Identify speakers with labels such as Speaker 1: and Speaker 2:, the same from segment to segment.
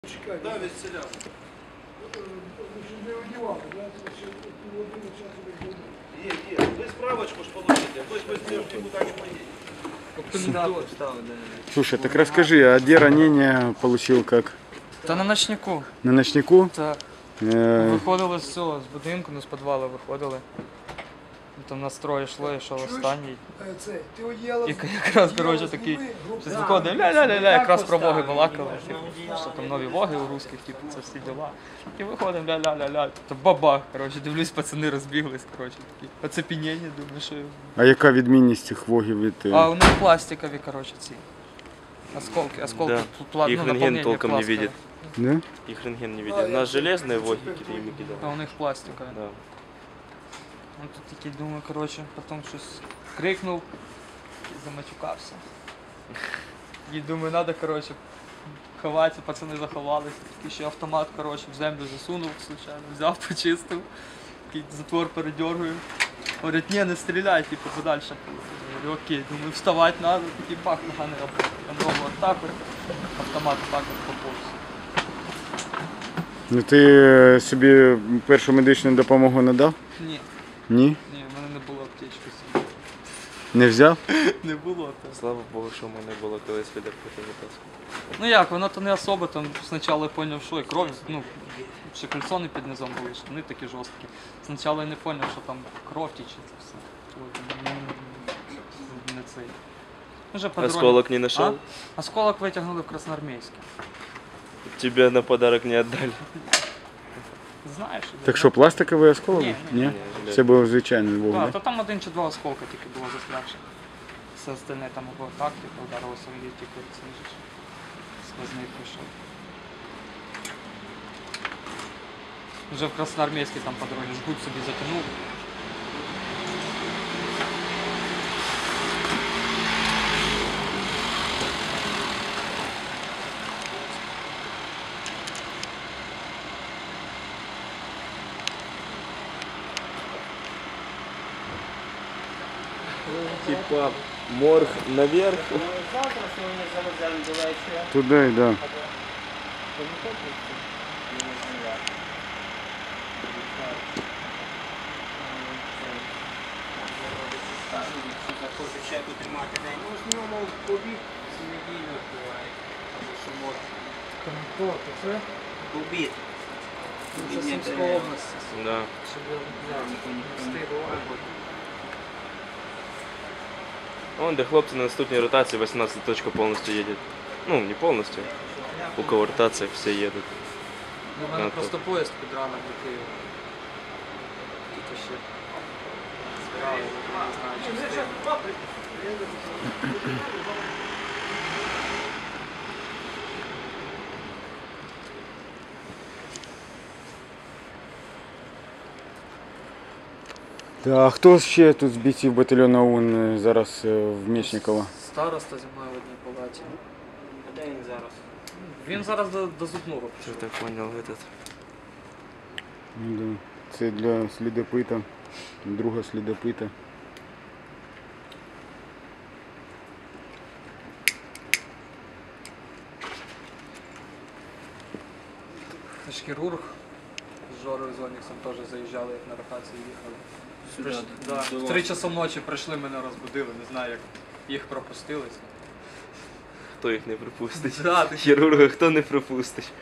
Speaker 1: Чекай,
Speaker 2: Да, відселяв.
Speaker 1: не одягали, да?
Speaker 2: Є. Ви справочку ж получите, хтось без нее никуда не поедет.
Speaker 3: Слушай, так расскажи, а где ранение получил как?
Speaker 4: Та на ночнику.
Speaker 3: На ночнику?
Speaker 4: Так.
Speaker 3: Э,
Speaker 4: Виходили з цього, з будинку, з підвалу виходили. Там настрой йшло, йшов останній.
Speaker 1: Ти одягала.
Speaker 4: І якраз, коротше, такий, щось виходить, ля-ля-ля-ля, якраз про воги балакали. Що там нові воги у русських, типу, це всі діла. І виходимо, ля-ля-ля-ля, то бабах, коротше, дивлюсь, пацани розбіглись, коротше, такі. Оцепеніння, думаю, що...
Speaker 3: а яка відмінність цих вогів від...
Speaker 4: А у них пластикові, коротше, ці. Осколки,
Speaker 5: Да. Их рентген толком не
Speaker 4: пластикові.
Speaker 5: видит.
Speaker 3: Да?
Speaker 5: Их рентген не видит. У нас железные вогики им
Speaker 4: А
Speaker 5: кидали.
Speaker 4: у них пластикові.
Speaker 5: Да.
Speaker 4: Ну тут такий, думаю, коротше, потім щось крикнув і замачукався. І думаю, треба, коротше, ховатися, пацани заховалися. Такий ще автомат, коротше, в землю засунув, случайно, взяв, почистив, такий затвор передергую. Говорять, ні, не стріляй, типу, подальше. Я говорю, окей, думаю, вставати треба, такий бах, нога не робить. Я ногу отак, автомат отак от поповз.
Speaker 3: Ну ти собі першу медичну допомогу надав?
Speaker 4: Ні,
Speaker 3: Ні?
Speaker 4: ні, в мене не було аптечки собі.
Speaker 3: Не взяв?
Speaker 4: Не було то.
Speaker 5: Слава Богу, що в мене було колись відерпити запасу.
Speaker 4: Ну як, воно то не особо, там спочатку я зрозумів, що і кров, ну, ще кальсони під низом були, штани такі жорсткі. Спочатку я не зрозумів, що там кров тіче, це все. Не цей. Вже по дорозі-
Speaker 5: Осколок не нашел?
Speaker 4: А? Осколок витягнули в Красноармійське.
Speaker 5: Тебе на подарок не отдали.
Speaker 4: Знаєш?
Speaker 3: Так що, пластиковий осколок?
Speaker 4: Ні,
Speaker 3: Ні?
Speaker 5: ні.
Speaker 3: Це був звичайний вог,
Speaker 4: Так,
Speaker 3: да?
Speaker 4: то там один чи два осколка тільки було застрягши. Все остальне там або так, типу, ударилося в літі, коли це ж сквозний пішов. Вже в Красноармійській там по дорозі жгут собі затягнув.
Speaker 5: Типа морг наверх.
Speaker 6: Завтра сьогодні завеземо до вечора.
Speaker 3: Туди, да.
Speaker 6: Захочу чеку тримати день. Ну, з нього в обід з неділю буває. Або суботу.
Speaker 4: Хто це?
Speaker 6: В обід.
Speaker 4: Це Сумська область.
Speaker 5: Да.
Speaker 4: Щоб встигло.
Speaker 5: Вон, де хлопці на наступній ротації 18 точка повністю їде. Ну, не повністю. У кого ротація, всі їдуть.
Speaker 4: У мене
Speaker 5: Ну,
Speaker 4: просто поїзд під ранок до Києва. Тут ще справи, не знаю, чи встигну.
Speaker 3: А хто ще тут з бійців батальйону ОУН зараз в Мечниково?
Speaker 4: Староста зі мною в одній палаті.
Speaker 6: А де він зараз?
Speaker 4: Він зараз до зубного
Speaker 5: Що
Speaker 4: пішов.
Speaker 5: так понял этот?
Speaker 3: Ну, да. Це для слідопита, друга слідопита.
Speaker 4: Це ж хірург. З Жорою з Оніксом теж заїжджали, як на ротацію їхали. В 3 часа ночі прийшли, мене розбудили, не знаю, як їх пропустили.
Speaker 5: Хто їх не пропустить?
Speaker 4: Да, ти-
Speaker 5: Хірурга хто не пропустить?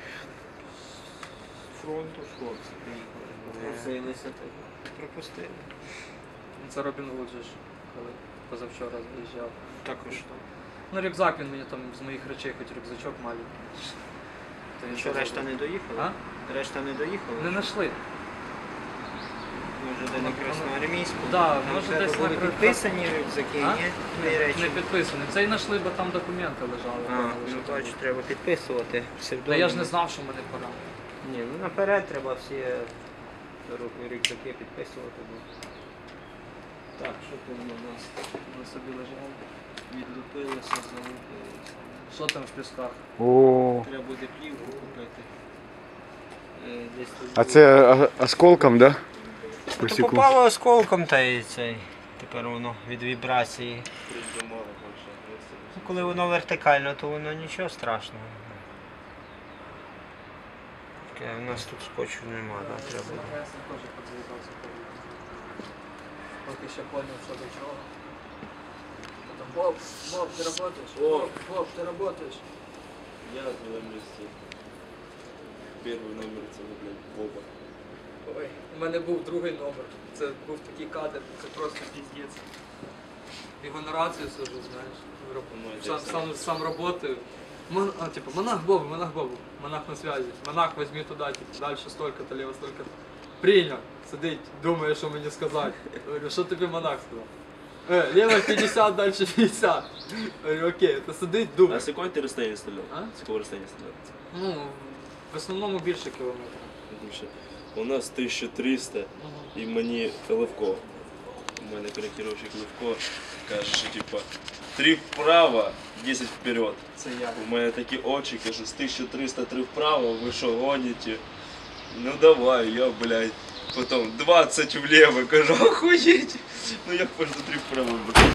Speaker 6: Фронту хлопці приїхали. Просилися так. Пропустили.
Speaker 4: Це Робін Гуд же ж, коли позавчора заїжджав.
Speaker 6: Також.
Speaker 4: Ну, рюкзак він мені там з моїх речей, хоч рюкзачок маленький. То він
Speaker 6: Що,
Speaker 4: теж
Speaker 6: решта не доїхала?
Speaker 4: А?
Speaker 6: Решта не доїхала?
Speaker 4: Не знайшли.
Speaker 6: Може, де на Красноармійську?
Speaker 4: Да,
Speaker 6: Там
Speaker 4: може,
Speaker 6: треба
Speaker 4: десь
Speaker 6: були
Speaker 4: на Кра-
Speaker 6: підписані рюкзаки,
Speaker 4: А?
Speaker 6: ні? Твої речі.
Speaker 4: Не підписаний. Цей знайшли, бо там документи лежали.
Speaker 6: А, ну точно, треба підписувати.
Speaker 4: Та я ж не знав, що мене пора.
Speaker 6: Ні, ну наперед треба всі рюкзаки підписувати. Так, що тут у нас?
Speaker 4: Вони собі лежали.
Speaker 6: Відлупилися, залупилися.
Speaker 4: Що там в пісках?
Speaker 3: О,
Speaker 6: Треба буде плівку купити. Десь тут
Speaker 3: а
Speaker 6: було.
Speaker 3: це осколком, да?
Speaker 6: То
Speaker 3: Посіку.
Speaker 6: попало осколком та і цей. Тепер воно від вібрації. Ну, коли воно вертикально, то воно нічого страшного. Чекай, у нас тут скотчу нема, да, треба.
Speaker 4: Я сам теж подзвітався. Поки ще поняв, що до чого. Потім, Боб, ти работаєш? Боб, ти работаєш?
Speaker 5: Я на місці. Перший номер це, блядь, Боба.
Speaker 4: Ой, у мене був другий номер. Це був такий кадр, це просто піздець. Його на рацію сижу, знаєш. Сам работаю. Типа, монах Боба, монах на связи. Монах, возьми туда, типа, дальше столько-то, лево столько-то. Принял, сидить, думає, що мені сказати. Говорю, що тобі монах сказав? Лево 50, дальше 50. Говорю, окей, то сидить,
Speaker 5: А
Speaker 4: думає.
Speaker 5: з якої ти розстояння стріляв?
Speaker 4: А?
Speaker 5: З якого розстояння стріляв?
Speaker 4: Ну, в основному більше кілометрів.
Speaker 5: Тому що у нас 1300 і мені Левко. У мене коректировщик Левко каже, що типа 3 вправо, 10 вперед.
Speaker 4: Це я.
Speaker 5: У мене такі очі, каже, з 1300 3 вправо, ви що гоните? Ну давай, я, блядь. Потім 20 вліво, кажу, охуєть. Ну як можна 3 вправо?